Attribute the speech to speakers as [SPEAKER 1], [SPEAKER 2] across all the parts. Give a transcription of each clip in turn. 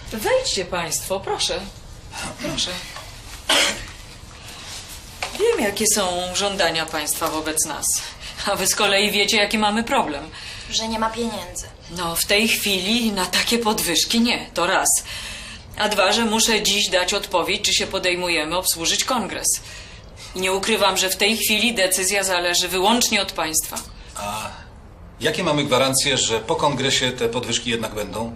[SPEAKER 1] Wejdźcie państwo, proszę. Proszę. Wiem, jakie są żądania państwa wobec nas. A wy z kolei wiecie, jaki mamy problem.
[SPEAKER 2] Że nie ma pieniędzy.
[SPEAKER 1] No, w tej chwili na takie podwyżki nie, to raz. A dwa, że muszę dziś dać odpowiedź, czy się podejmujemy obsłużyć kongres. I nie ukrywam, że w tej chwili decyzja zależy wyłącznie od państwa.
[SPEAKER 3] A jakie mamy gwarancje, że po kongresie te podwyżki jednak będą?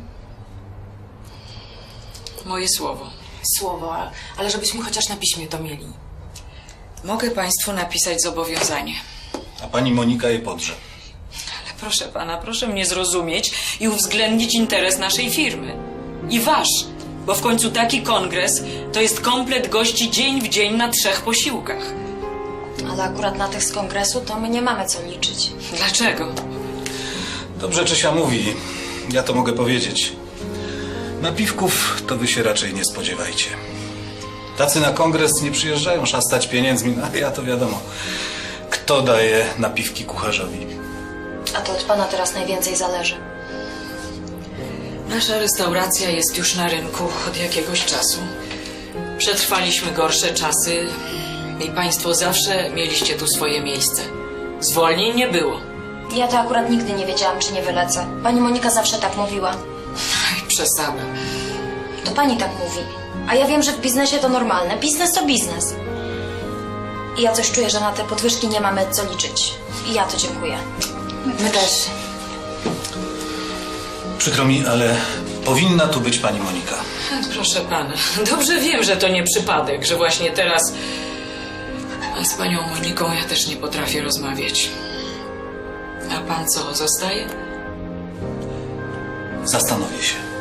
[SPEAKER 1] Moje słowo.
[SPEAKER 4] Słowo, ale żebyśmy chociaż na piśmie to mieli.
[SPEAKER 1] Mogę państwu napisać zobowiązanie.
[SPEAKER 3] A pani Monika je podrze.
[SPEAKER 1] Ale proszę pana, proszę mnie zrozumieć i uwzględnić interes naszej firmy. I wasz, bo w końcu taki kongres to jest komplet gości dzień w dzień na 3 posiłkach.
[SPEAKER 2] Ale akurat na tych z kongresu to my nie mamy co liczyć.
[SPEAKER 1] Dlaczego?
[SPEAKER 3] Dobrze Czesia mówi, ja to mogę powiedzieć. Napiwków to wy się raczej nie spodziewajcie. Tacy na kongres nie przyjeżdżają szastać pieniędzmi, no ale ja to wiadomo. Kto daje napiwki kucharzowi?
[SPEAKER 2] A to od pana teraz najwięcej zależy.
[SPEAKER 1] Nasza restauracja jest już na rynku od jakiegoś czasu. Przetrwaliśmy gorsze czasy i państwo zawsze mieliście tu swoje miejsce. Zwolnień nie było.
[SPEAKER 2] Ja to akurat nigdy nie wiedziałam, czy nie wylecę. Pani Monika zawsze tak mówiła.
[SPEAKER 1] Aj, przesada.
[SPEAKER 2] To pani tak mówi. A ja wiem, że w biznesie to normalne. Biznes to biznes. I ja coś czuję, że na te podwyżki nie mamy co liczyć. I ja to dziękuję.
[SPEAKER 4] My też.
[SPEAKER 3] Przykro mi, ale powinna tu być pani Monika.
[SPEAKER 1] Proszę pana, dobrze wiem, że to nie przypadek, że właśnie teraz a z panią Moniką ja też nie potrafię rozmawiać. A pan co, zostaje?
[SPEAKER 3] Zastanowię się.